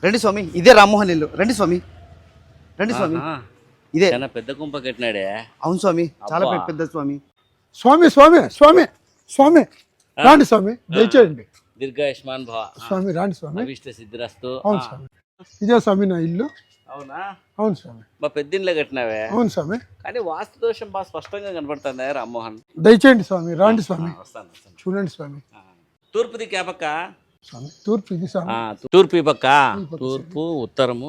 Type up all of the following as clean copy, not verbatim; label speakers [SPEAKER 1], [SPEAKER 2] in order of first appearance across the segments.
[SPEAKER 1] రండి స్వామి, ఇదే రామ్మోహన్ ఇల్లు. రండి స్వామి, రండి స్వామి. ఇదే
[SPEAKER 2] పెద్ద కుంప కట్టినాడే.
[SPEAKER 1] అవును స్వామి, చాలా పెద్ద స్వామి.
[SPEAKER 3] స్వామి స్వామి స్వామి స్వామి రాండి స్వామి, దయచేయండి.
[SPEAKER 2] దీర్ఘాయుష్మాన్ భవ.
[SPEAKER 3] స్వామి రాండి స్వామి.
[SPEAKER 2] అభిష్ట సిద్ధిరస్తు.
[SPEAKER 3] అవును స్వామి, ఇదే స్వామి నా ఇల్లు.
[SPEAKER 2] అవునా?
[SPEAKER 3] అవును స్వామి.
[SPEAKER 2] మా పెద్దింట్లో కట్టినావే.
[SPEAKER 3] అవును స్వామి.
[SPEAKER 2] కానీ వాస్తు దోషం బాగా స్పష్టంగా కనపడుతుంది రామ్మోహన్.
[SPEAKER 3] దయచేయండి స్వామి, రాండి స్వామి.
[SPEAKER 2] వస్తాను.
[SPEAKER 3] చూడండి స్వామి.
[SPEAKER 2] తూర్పుది క్యాపక్క
[SPEAKER 3] స్వామి, తూర్పు ఇది స్వామి.
[SPEAKER 2] తూర్పు ఈ పక్క, తూర్పు ఉత్తరము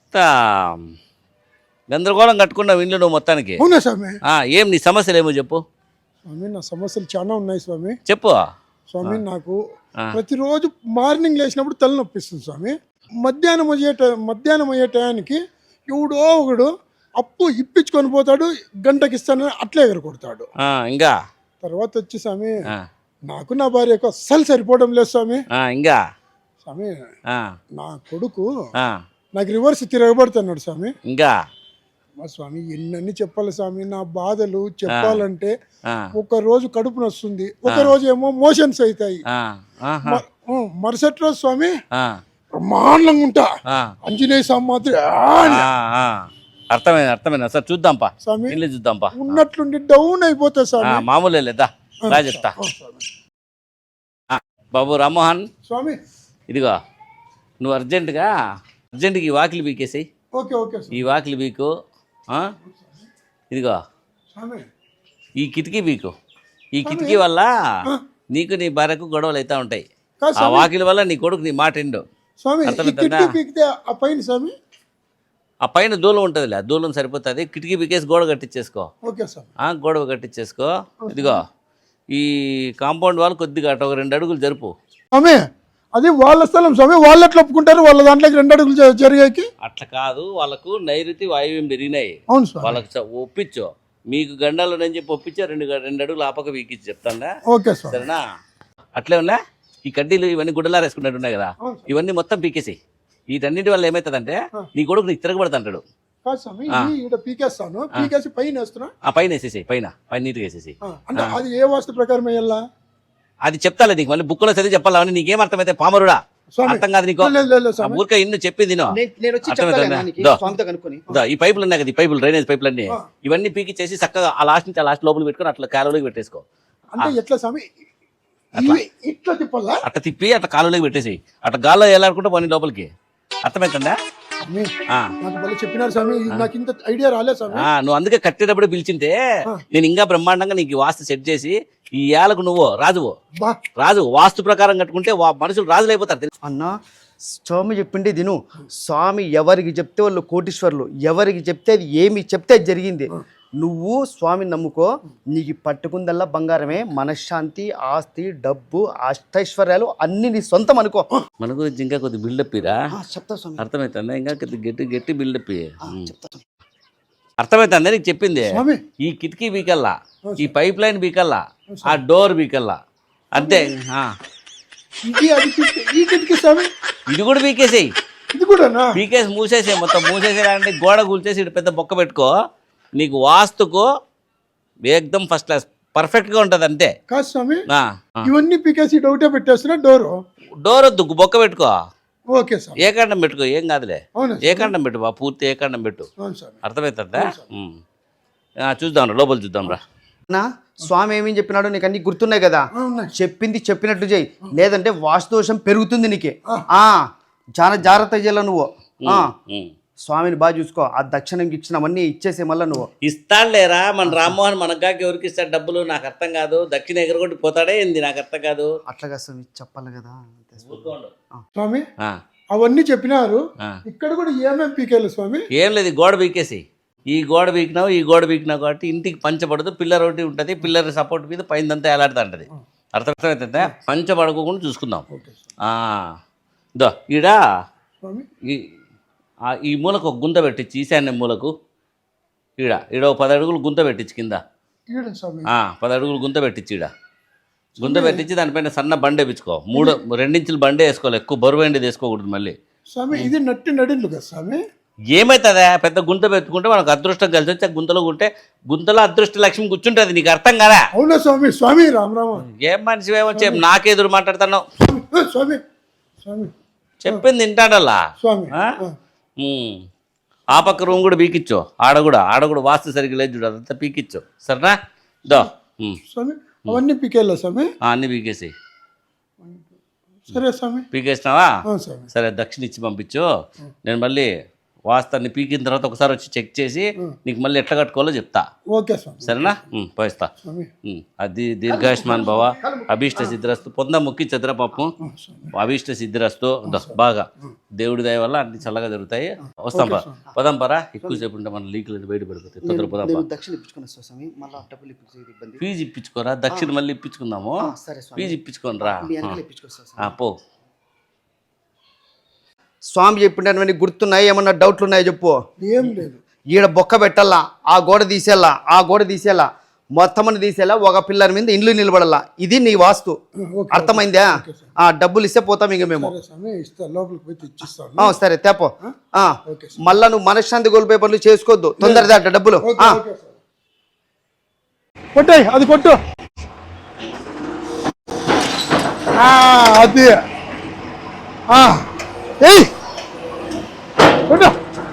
[SPEAKER 2] గందరగోళం కట్టుకున్నావు ఇంట్లో నువ్వు మొత్తానికి.
[SPEAKER 3] అవునా స్వామి?
[SPEAKER 2] ఏం నీ సమస్యలు ఏమో చెప్పు.
[SPEAKER 3] స్వామి నా సమస్యలు చాలా ఉన్నాయి స్వామి.
[SPEAKER 2] చెప్పు
[SPEAKER 3] స్వామి. నాకు ప్రతిరోజు మార్నింగ్ లేచినప్పుడు తలనొప్పిస్తుంది స్వామి. మధ్యాహ్నం అయ్యే టయానికి ఎవడో ఒకడు అప్పు ఇప్పించుకొని పోతాడు, గంటకి ఇస్తానని అట్లే ఎగరకొడతాడు.
[SPEAKER 2] ఇంకా
[SPEAKER 3] తర్వాత వచ్చి స్వామి నాకు నా భార్యకు అస్సలు సరిపోవడం లేదు స్వామి.
[SPEAKER 2] ఇంకా
[SPEAKER 3] స్వామి నా కొడుకు నాకు రివర్స్ తిరగబడుతున్నాడు స్వామి.
[SPEAKER 2] ఇంకా
[SPEAKER 3] స్వామి ఎన్నని చెప్పాలి స్వామి, నా బాధలు చెప్పాలంటే ఒక రోజు కడుపు నొస్తుంది, ఒక రోజు ఏమో మోషన్స్ అవుతాయి, మరుసటి రోజు స్వామి బ్రహ్మాండంగా ఉంటా. ఆంజనేయ స్వామి మాత్రం
[SPEAKER 2] అర్థమైంది సార్. చూద్దాంపా
[SPEAKER 3] స్వామి,
[SPEAKER 2] ఇల్లు చూద్దాంపా.
[SPEAKER 3] ఉన్నట్లుండి డౌన్ అయిపోతా స్వామి.
[SPEAKER 2] మామూలే లేదా రా చెప్తా. బాబు రామ్మోహన్
[SPEAKER 3] స్వామి,
[SPEAKER 2] ఇదిగో నువ్వు అర్జెంటుగా ఈ వాకిలి బీకేసాయి.
[SPEAKER 3] ఓకే ఓకే
[SPEAKER 2] ఈ వాకిలి బీకు. ఇదిగో
[SPEAKER 3] స్వామి,
[SPEAKER 2] ఈ కిటికీ బీకు. ఈ కిటికీ వల్ల నీకు నీ భార్యకు గొడవలు అవుతా ఉంటాయి. ఆ వాకిలి వల్ల నీ కొడుకు నీ మాట ఎండు.
[SPEAKER 3] స్వామి, ఆ పైన స్వామి,
[SPEAKER 2] ఆ పైన దూలం ఉంటుందిలే, ఆ దూలం సరిపోతుంది. కిటికీ బీకేసి గోడ కట్టించేసుకో.
[SPEAKER 3] ఓకే స్వామి.
[SPEAKER 2] గోడ కట్టించేసుకో. ఇదిగో ఈ కాంపౌండ్ వాళ్ళు కొద్దిగా అటు ఒక 2 అడుగులు జరుపు.
[SPEAKER 3] స్వామి అది వాళ్ళ స్థలం స్వామి, వాళ్ళు ఎట్లా ఒప్పుకుంటారు వాళ్ళ దాంట్లోకి 2 అడుగులు జరిగాకి?
[SPEAKER 2] అట్లా కాదు, వాళ్ళకు నైరుతి వాయువ్యం పెరిగినాయి.
[SPEAKER 3] అవును స్వామి.
[SPEAKER 2] వాళ్ళకి ఒప్పించు. మీకు గండాలు నేను చెప్పి ఒప్పించా. 2 అడుగులు ఆపక వీకిచ్చి చెప్తాను.
[SPEAKER 3] ఓకే స్వామి.
[SPEAKER 2] సరేనా? అట్లే ఉన్నా ఈ కడ్డీలు ఇవన్నీ గుడ్డలారు వేసుకున్నట్టు ఉన్నాయి కదా, ఇవన్నీ మొత్తం పీకేసి. వీటన్నిటి వల్ల ఏమవుతుందంటే నీ కొడుకు నీకు తిరగబడుతుంటాడు. పైన వేసేసి, పైన నీట్గా వేసేసి.
[SPEAKER 3] అది ఏ వాస్తు ప్రకారం వేయాలా?
[SPEAKER 2] అది చెప్తాలే నీకు, మళ్ళీ బుక్లో చదివి చెప్పాలా? నీకేం అర్థమైతే పామరుడా? అర్థం కాదు నీకు. ఊరిక ఇన్ను చెప్పింది ఈ పైపులు ఉన్నాయి కదా, ఈ పైపులు డ్రైనేజ్ పైపులు అన్ని ఇవన్నీ పీకిచ్చేసి చక్కగా ఆ లాస్ట్ నుంచి ఆ లాస్ట్ లోపల పెట్టుకుని అట్లా కాలువలోకి పెట్టేసుకో. అట్లా తిప్పి అట్లా కాలువలోకి పెట్టేసి అట్లా గాల్లో వెళ్ళాలనుకుంటే పోనీ లోపలికి. అర్థమవుతుందా? నువ్వు అందుకే కట్టేటప్పుడు పిలిచింటే నేను ఇంకా బ్రహ్మాండంగా నీకు వాస్తు సెట్ చేసి ఈ ఏళ్ళకు నువ్వు రాజు వాస్తు ప్రకారం కట్టుకుంటే మనుషులు రాజులు అయిపోతారు.
[SPEAKER 1] అన్నా స్వామి చెప్పిండే దిను. స్వామి ఎవరికి చెప్తే వాళ్ళు కోటీశ్వర్లు, ఎవరికి చెప్తే అది ఏమి చెప్తే అది జరిగింది. నువ్వు స్వామిని నమ్ముకో, నీకు పట్టుకుందల్లా బంగారమే. మనశ్శాంతి, ఆస్తి, డబ్బు, అష్టైశ్వర్యాలు అన్ని నీ సొంతం అనుకో.
[SPEAKER 2] మన గురించి ఇంకా కొద్ది బిల్డప్ ఇరా.
[SPEAKER 1] చెప్తా స్వామి.
[SPEAKER 2] అర్థమవుతుందా? ఇంకా గట్టి బిల్డప్ అర్థమవుతుందా నీకు చెప్పింది? ఈ కిటికీ బీకల్లా, ఈ పైప్ లైన్ బీకల్లా, ఆ డోర్ బీకల్లా, అంతే. ఇది కూడా బీకేసేయి. బీకేసి మూసేసే, మొత్తం మూసేసేయాలంటే గోడ కూల్చేసి ఇటు పెద్ద బొక్క పెట్టుకో. నీకు వాస్తుకు ఏకదం ఫస్ట్ క్లాస్ పర్ఫెక్ట్గా ఉంటుంది. అంతే
[SPEAKER 3] కాదు స్వామి, ఇవన్నీ పీకేసి డౌటే పెట్టేస్తున్నా. డోర్ వద్దు, బొక్క పెట్టుకో. ఓకే సార్, ఏకాండం పెట్టుకో, ఏం కాదులే. ఏకాండం పెట్టు బా, పూర్తి ఏకాండం పెట్టు. అర్థమవుతుందా? చూద్దాం రా, లోపల చూద్దాం రా.
[SPEAKER 1] స్వామి ఏమేం చెప్పినాడో నీకు అన్ని గుర్తున్నాయి కదా, చెప్పింది చెప్పినట్టు చేయి, లేదంటే వాస్తుదోషం పెరుగుతుంది నీకే. చాలా జాగ్రత్త చేయాల నువ్వు. స్వామిని బాగా చూసుకో. ఆ దక్షిణం గిక్షణం అన్నీ ఇచ్చేసే మళ్ళీ నువ్వు.
[SPEAKER 2] ఇస్తాడులేరా మన రామ్మోహన్, మనగాకి ఎవరికి ఇస్తాడు డబ్బులు? నాకు అర్థం కాదు. దక్షిణ ఎగరగొట్టి పోతాడే ఏంది? నాకు అర్థం కాదు.
[SPEAKER 1] అట్లాగా స్వామి చెప్పాలి కదా
[SPEAKER 3] స్వామి. అవన్నీ చెప్పినారు. ఇక్కడ కూడా ఏమేమి పీకేయాలి స్వామి?
[SPEAKER 2] ఏం లేదు, గోడ పీకేసి. ఈ గోడ పీకినావు, ఈ గోడ పీకినావు కాబట్టి ఇంటికి పంచబడదు. పిల్లర్ ఒకటి ఉంటుంది, పిల్లర్ సపోర్ట్ మీద పైనంతా ఎలాడుతూ ఉంటుంది. అర్థమవుతుందా? పంచబడుకోకుండా చూసుకుందాం. ఈడ ఈ మూలకు ఒక గుంత పెట్టించి, ఈశాన్య మూలకు ఈడ 10 అడుగులు గుంత పెట్టించి, కింద 10 అడుగులు గుంత పెట్టించి, ఈడ గుంత పెట్టించి దానిపైన సన్న బండే వేయించుకో. 2 ఇంచులు బండే వేసుకోవాలి, ఎక్కువ బరువు ఎండేది వేసుకోకూడదు. మళ్ళీ
[SPEAKER 3] ఇది నట్టి నడిన్లు కదా స్వామి.
[SPEAKER 2] ఏమవుతుందా? పెద్ద గుంత పెట్టుకుంటే మనకు అదృష్టం కలిసి వచ్చి గుంతలో ఉంటే గుంతలో అదృష్ట లక్ష్మి కూర్చుంటుంది. నీకు అర్థం కదా?
[SPEAKER 3] అవునా స్వామి? స్వామి రామ్ రామ.
[SPEAKER 2] ఏం మనిషి ఏమో నాకెదురు మాట్లాడుతున్నావు?
[SPEAKER 3] స్వామి స్వామి
[SPEAKER 2] చెప్పింది తింటాడల్లా
[SPEAKER 3] స్వామి
[SPEAKER 2] ఆ పక్క రూమ్ కూడా పీకిచ్చో, ఆడ కూడా వాస్తు సరిగ్గా లేదు చూడు, అదంతా పీకిచ్చో సరేనా. దో
[SPEAKER 3] స్వామి అవన్నీ పీకేలా స్వామి?
[SPEAKER 2] అన్నీ పీకేసి.
[SPEAKER 3] సరే స్వామి.
[SPEAKER 2] పీకేసినావా?
[SPEAKER 3] స్వామి.
[SPEAKER 2] సరే దక్షిణ ఇచ్చి పంపించు. నేను మళ్ళీ వాస్తాన్ని పీకిన తర్వాత ఒకసారి వచ్చి చెక్ చేసి నీకు మళ్ళీ ఎట్లా కట్టుకోవాలో చెప్తా.
[SPEAKER 3] ఓకే స్వామి.
[SPEAKER 2] సరేనా? పోయిస్తా. అది దీర్ఘాయుష్మాన్ భవ, అభీష్ట సిద్ధిరస్తు. పొంద ముక్కి చంద్ర పాపం, అభీష్ట సిద్ధిరస్తు. బాగా దేవుడి దయ వల్ల అన్ని చల్లగా జరుగుతాయి. వస్తాం పదాం పరా, ఎక్కువసేపు ఉంటే మన లీకులు బయట పడిపోతాయి. తొందర పదాం. ఫీజు ఇప్పించుకోరా, దక్షిణ మళ్ళీ ఇప్పించుకుందాము. ఫీజు ఇప్పించుకోని రా పో.
[SPEAKER 1] స్వామి చెప్పిండే గుర్తున్నాయి, ఏమన్నా డౌట్లు ఉన్నాయో చెప్పు.
[SPEAKER 3] ఏం లేదు.
[SPEAKER 1] ఈడ బొక్క పెట్టాలా, ఆ గోడ తీసేలా, మొత్తం తీసేలా, ఒక పిల్లర్ మీద ఇండ్లు నిలబడాలా. ఇది నీ వాస్తు. అర్థమైందా? డబ్బులు ఇస్తే పోతాం ఇంక మేము. సరే తేపో. మళ్ళా నువ్వు మనశ్శాంతి కోల్పోయే పనులు చేసుకోవద్దు. తొందరదా డబ్బులు.
[SPEAKER 3] కొట్టాయి అది కొట్టు. అది కొట్టు.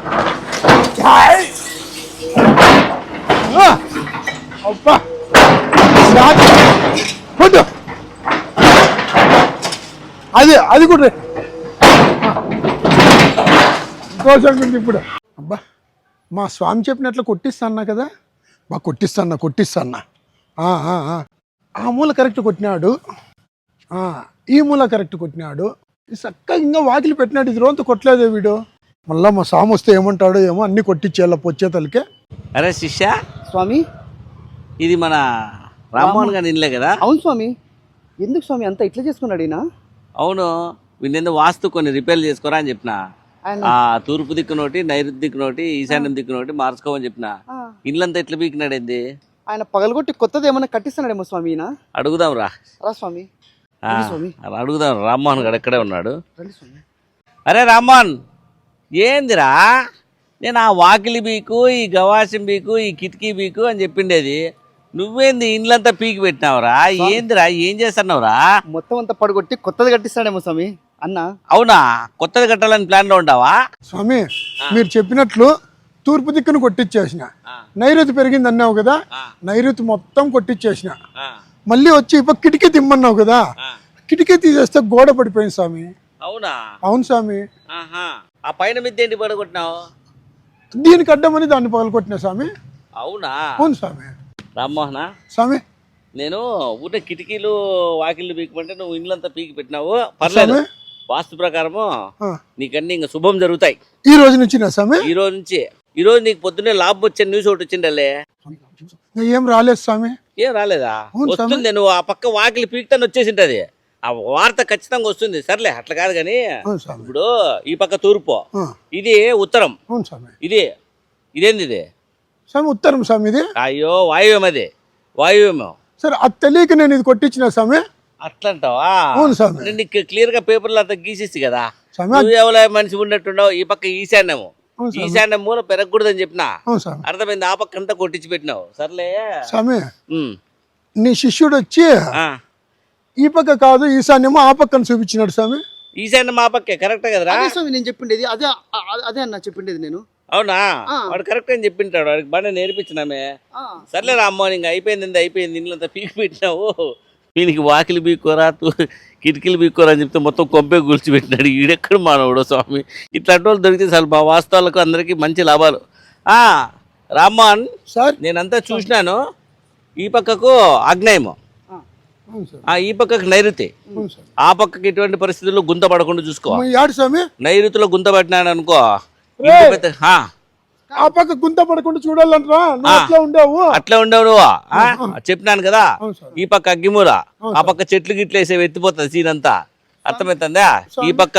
[SPEAKER 3] అబ్బా కొట్టు. అది కొట్టు. సంతోషంగా ఉంది ఇప్పుడు. అబ్బా మా స్వామి చెప్పినట్లు కొట్టిస్తాన్నా కదా, బాగా కొట్టిస్తాన్నా. ఆ మూల కరెక్ట్ కొట్టినాడు, ఈ మూల కరెక్ట్ కొట్టినాడు. చక్కగా ఇంకా వాకిలి పెట్టినాడు. ఇది రోజంతా కొట్టలేదే వీడు. మళ్ళా మా స్వామి వస్తే ఏమంటాడో ఏమో, అన్ని కొట్టించేయాల పొచ్చేతలకే.
[SPEAKER 2] అరే శిష్య
[SPEAKER 1] స్వామి,
[SPEAKER 2] ఇది మన రామ్మోహన్ గారి ఇల్లే కదా?
[SPEAKER 1] అవును స్వామి. ఎందుకు స్వామి అంతా ఇట్లా చేసుకున్నాడు ఈయన?
[SPEAKER 2] అవును, వీళ్ళేందో వాస్తు కొన్ని రిపేర్లు చేసుకోరా అని చెప్పిన. తూర్పు దిక్కు నోటి, నైరుతి దిక్కు నోటి, ఈశాన్యం దిక్కు నోటి మార్చుకోమని చెప్పిన. ఇల్లంతా ఎట్లా పీకినాడు ఏంది?
[SPEAKER 1] ఆయన పగలగొట్టి కొత్తది ఏమన్నా కట్టిస్తున్నాడేమో స్వామి ఈయన.
[SPEAKER 2] అడుగుదాం రా
[SPEAKER 1] స్వామి.
[SPEAKER 2] అడుగుదాం. రామ్మోహన్ గారు ఎక్కడే ఉన్నాడు. అరే రామ్మోహన్, ఏందిరా నేను ఆ వాకిలి బీకు, ఈ గవాసం బీకు, ఈ కిటికీ బీకు అని చెప్పిండేది, నువ్వేంది ఇండ్లంతా పీకి పెట్టినావురా? ఏందిరా, ఏం చేస్తున్నావురా?
[SPEAKER 1] మొత్తం అంతా పడగొట్టి కొత్తది కట్టిస్తాడేమో స్వామి అన్న.
[SPEAKER 2] అవునా? కొత్తది కట్టాలని ప్లాన్ లో ఉంటావా?
[SPEAKER 3] స్వామి మీరు చెప్పినట్లు తూర్పు దిక్కును కొట్టించేసిన, నైరుతి పెరిగింది అన్నావు కదా, నైరుతి మొత్తం కొట్టించేసిన. మళ్ళీ వచ్చి ఇప్పుడు కిటికీ తిమ్మన్నావు కదా, కిటికీ తీసేస్తే గోడ పడిపోయింది స్వామి.
[SPEAKER 2] అవునా?
[SPEAKER 3] అవును స్వామి.
[SPEAKER 2] ఆ పైన మిద్దె ఏంటి పడగొట్టినావు?
[SPEAKER 3] దీనికి అడ్డమని దాన్ని పగలగొట్టినా స్వామి.
[SPEAKER 2] అవునా?
[SPEAKER 3] అవును స్వామి.
[SPEAKER 2] రామ్మోహన
[SPEAKER 3] స్వామి,
[SPEAKER 2] నేను ఊట కిటికీలు వాకిళ్ళు పీకమంటే నువ్వు ఇండ్లంతా పీకి పెట్టినావు. పర్లేదు, వాస్తు ప్రకారము నీకన్నీ ఇంకా శుభం జరుగుతాయి.
[SPEAKER 3] ఈ రోజు నుంచి స్వామి?
[SPEAKER 2] ఈ రోజు నుంచి. ఈ రోజు నీకు పొద్దున్నే లాభం వచ్చే న్యూస్ ఒకటి వచ్చిండలే.
[SPEAKER 3] ఏం రాలేదు స్వామి.
[SPEAKER 2] ఏం రాలేదా? వస్తుంది, నువ్వు ఆ పక్క వాకిలి పీకుతాను వచ్చేసింటది, ఆ వార్త ఖచ్చితంగా వస్తుంది. సర్లే అట్లా కాదు కానీ, ఇప్పుడు ఈ పక్క తూర్పు, ఇది ఉత్తరం, ఇదేంది ఇది
[SPEAKER 3] స్వామి? ఉత్తరం స్వామి ఇది.
[SPEAKER 2] అయ్యో వాయువ్యం, అది వాయువ్యం.
[SPEAKER 3] సరే అది తెలియక నేను ఇది కొట్టించిన స్వామి.
[SPEAKER 2] అట్లంటావా?
[SPEAKER 3] అవును స్వామి.
[SPEAKER 2] నీకు క్లియర్ గా పేపర్లు అంతా గీసేసి కదా, నువ్వు ఎవరో మనిషి ఉన్నట్టున్నావు. ఈ పక్క ఈశాన్యము, ఈశాన్యం మూల పెరగకూడదని చెప్పినా, అర్థమైంది. ఆ పక్క అంతా కొట్టించి పెట్టినావు. సర్లే
[SPEAKER 3] స్వామి, నీ శిష్యుడు వచ్చి ఈ పక్క కాదు ఈశాన్యము ఆ పక్కన చూపించినాడు స్వామి.
[SPEAKER 2] ఈశాన్యం ఆ పక్కే కరెక్ట్ కదరా
[SPEAKER 1] స్వామి? నేను చెప్పిండేది అదే అదే అన్న చెప్పిండేది నేను.
[SPEAKER 2] అవునా? వాడు కరెక్ట్ అని చెప్పింటాడు, వాడికి బాగా నేర్పించినామే. సర్లే రామ్మోహన్, ఇంకా అయిపోయింది ఇల్లంతా పీకి పెట్టినావు. వీనికి వాకిలి బీక్కోరా, కిటికీలు బీక్కోరా అని చెప్తే మొత్తం కొంపే కూల్చిపెట్టినాడు. ఈడెక్కడ మానవుడు స్వామి. ఇట్లాంటి వాళ్ళు దొరికితే చాలు మా వాస్తవాలకు అందరికీ మంచి లాభాలు. రామ్మోహన్
[SPEAKER 3] సార్,
[SPEAKER 2] నేనంతా చూసినాను. ఈ పక్కకు ఆగ్నేయము, ఈ పక్కకు నైరుతి, ఆ పక్కకి ఎటువంటి పరిస్థితుల్లో గుంత పడకుండా చూసుకో. నైరుతిలో గుంత పట్టినాడు అనుకో,
[SPEAKER 3] ఆ పక్క గుంత పడకుండా చూడాలంటరా.
[SPEAKER 2] అట్లా ఉండవు నువ్వు. చెప్పినాను కదా, ఈ పక్క అగ్గిమూల, ఆ పక్క చెట్లు గిట్లు వేసే ఎత్తిపోతుంది సీన్ అంతా. అర్థమవుతుందా? ఈ పక్క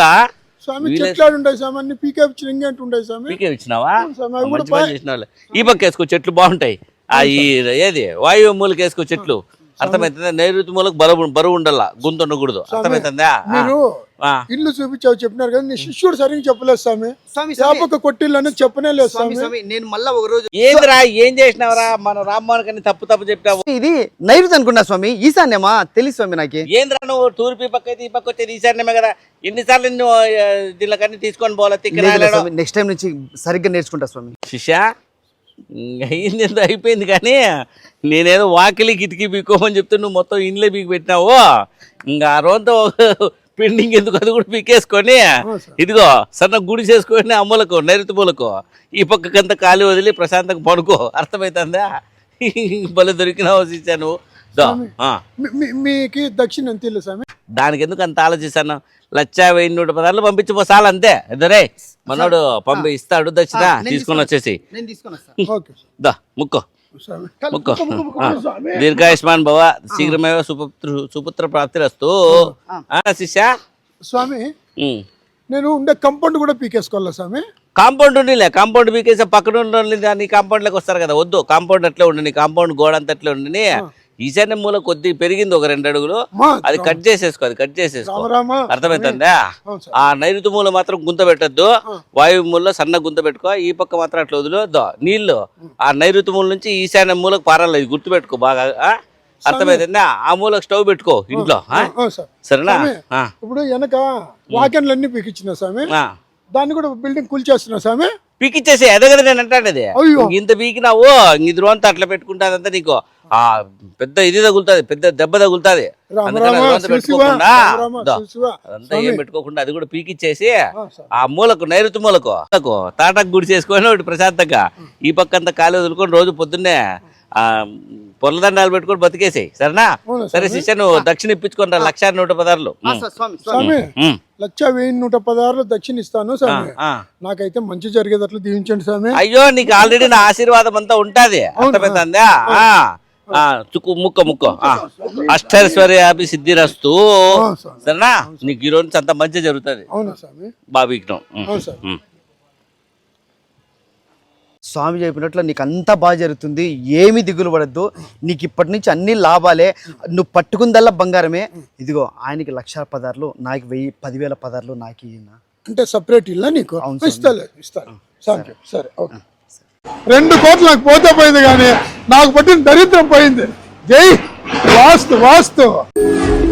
[SPEAKER 2] పీకే ఇచ్చినావా? మంచి పని చేసిన. ఈ పక్క వేసుకో, చెట్లు బాగుంటాయి. ఏది వాయువు మూలకి వేసుకో చెట్లు. అర్థమవుతుందా? నైరుతి మూలకు బరువు ఉండాల, గొంతు ఉండకూడదు. అర్థమవుతుందా?
[SPEAKER 3] మీరు
[SPEAKER 2] ఆ.
[SPEAKER 3] ఇల్లు చూపించావు చెప్పినారు కదా, నీ శిష్యుడు సరిగ్గా చెప్పలేదు స్వామి.
[SPEAKER 1] స్వామి
[SPEAKER 3] వ్యాపక కొట్టిల్లని చెప్పనే లేదు స్వామి.
[SPEAKER 1] స్వామి నేను మళ్ళా ఒక రోజు
[SPEAKER 2] ఏందిరా ఏం చేసినావరా? మన రామ్మోహన్ కని తప్పు చెప్పావు.
[SPEAKER 1] ఇది నైరుతి అనుకున్నా స్వామి, ఈశాన్యమా తెలుసు స్వామి నాకు.
[SPEAKER 2] ఏంద్రా నువ్వు తూర్పు పక్క అయితే ఈ పక్క వచ్చేది ఈశాన్యమే కదా. ఎన్నిసార్లు నువ్వు దీనికన్నీ తీసుకొని పోవాలి తిక్కరాయలేడు.
[SPEAKER 1] నెక్స్ట్ టైం నుంచి సరిగ్గా నేర్చుకుంటా స్వామి.
[SPEAKER 2] శిష్య అయింది ఎంత అయిపోయింది, కానీ నేనేదో వాకిలి కిటికీ పీక్కోమని చెప్తే నువ్వు మొత్తం ఇంట్లో పీకి పెట్టినావు. ఇంకా ఆ రోజుతో పెండింగ్ ఎందుకు, అది కూడా పీకేసుకొని ఇదిగో సన్న గుడి చేసుకొని అమ్మలకు నైరుతి మూలకు ఈ పక్కకంతా ఖాళీ వదిలి ప్రశాంతంగా పడుకో. అర్థమవుతుందా? భలే దొరికినావు శిష్య నువ్వు.
[SPEAKER 3] మీకు దక్షిణ ఎంత ఇల్లు స్వామి?
[SPEAKER 2] దానికి ఎందుకు అంత ఆలోచిస్తాను? 1,116 పంపించిపోసాలు అంతే. ఇద్దరే మనోడు ఇస్తాడు దక్షిణ, తీసుకొని వచ్చేసి
[SPEAKER 1] నేను తీసుకొని వస్తా.
[SPEAKER 3] ఓకే
[SPEAKER 2] దా ముక్కో
[SPEAKER 3] స్వామి.
[SPEAKER 2] ముక్కో. దీర్ఘాయుష్మాన్ భవ, శీఘ్రమేవ సుపుత్ర ప్రాప్తిరస్తు. శిష్య
[SPEAKER 3] స్వామి
[SPEAKER 2] ఉమ్.
[SPEAKER 3] నేను ఉండే కంపౌండ్ కూడా పీకేసుకోవాలా స్వామి?
[SPEAKER 2] కాంపౌండ్ ఉండిలే, కాంపౌండ్ పీకేసి పక్కన ఉండి నీ కాంపౌండ్లోకి వస్తారు కదా. వద్దు, కాంపౌండ్ అట్లే ఉండి, నీ కాంపౌండ్ గోడ అంతా అట్లే ఉండి. ఈశాన్య మూల కొద్ది పెరిగింది ఒక 2 అడుగులు, అది కట్ చేసేసుకో. అర్థమవుతుందా? ఆ నైరుతి మూల మాత్రం గుంత పెట్టద్దు, వాయువు మూలలో సన్న గుంత పెట్టుకో. ఈ పక్క మాత్రం అట్లా వదిలేద్దు. నీళ్లు ఆ నైరుతి మూల నుంచి ఈశాన్య మూలకు పారాలి, ఇది గుర్తు పెట్టుకో బాగా. అర్థమవుతుందా? ఆ మూలకు స్టవ్ పెట్టుకో ఇంట్లో. సరేనా?
[SPEAKER 3] ఇప్పుడు వెనక వాకెన్లన్నీ పీకిచ్చిన స్వామి, దాన్ని కూడా బిల్డింగ్ కూల్చేస్తున్నా స్వామి.
[SPEAKER 2] పీకిచ్చేసి అదే కదా నేను అంటానేది. ఇంత పీకినావు, ఇది రోజంతా అట్లా పెట్టుకుంటాదంతా నీకు ఆ పెద్ద ఇది తగులుతుంది, పెద్ద దెబ్బ తగులుతుంది. అదంతా ఏం పెట్టుకోకుండా అది కూడా పీకిచ్చేసి ఆ మూలకు నైరుతి మూలకు తాటాకు గుడి చేసుకొని ఒకటి ప్రశాంతంగా ఈ పక్క అంతా ఖాళీ వదులుకొని రోజు పొద్దున్నే ఆ పొలదండాలు పెట్టుకొని బతికేసాయి. సరేనా? సరే శిష్య, నువ్వు దక్షిణ ఇప్పించుకుంటా 1,116.
[SPEAKER 3] స్వామి 1,116 దక్షిణ ఇస్తాను స్వామి. నాకైతే మంచి జరిగేటట్లు దీవించండి స్వామి.
[SPEAKER 2] అయ్యో, నీకు ఆల్రెడీ నా ఆశీర్వాదం అంతా ఉంటది. అర్థమైందా? ముక్క అష్టైశ్వర్యాభి సిద్ధిరస్తు. సరేనా? నీకు ఈ రోజు అంత మంచి జరుగుతుంది.
[SPEAKER 3] అవునా స్వామి?
[SPEAKER 2] బాబీకి
[SPEAKER 1] స్వామి చెప్పినట్లు నీకు అంతా బాగా జరుగుతుంది, ఏమి దిగులు పడద్దు. నీకు ఇప్పటి నుంచి అన్ని లాభాలే, నువ్వు పట్టుకుందల్లా బంగారమే. ఇదిగో ఆయనకి 1,16 నాకు 10,000 పదార్లు నాకు
[SPEAKER 3] అంటే సపరేట్ ఇల్లా నీకు? ఇస్తాను. సరే ఓకే. 2 కోట్లు నాకు పోతే పోయింది, కానీ నాకు పట్టిన దరిద్రం పోయింది. జై వాస్తు.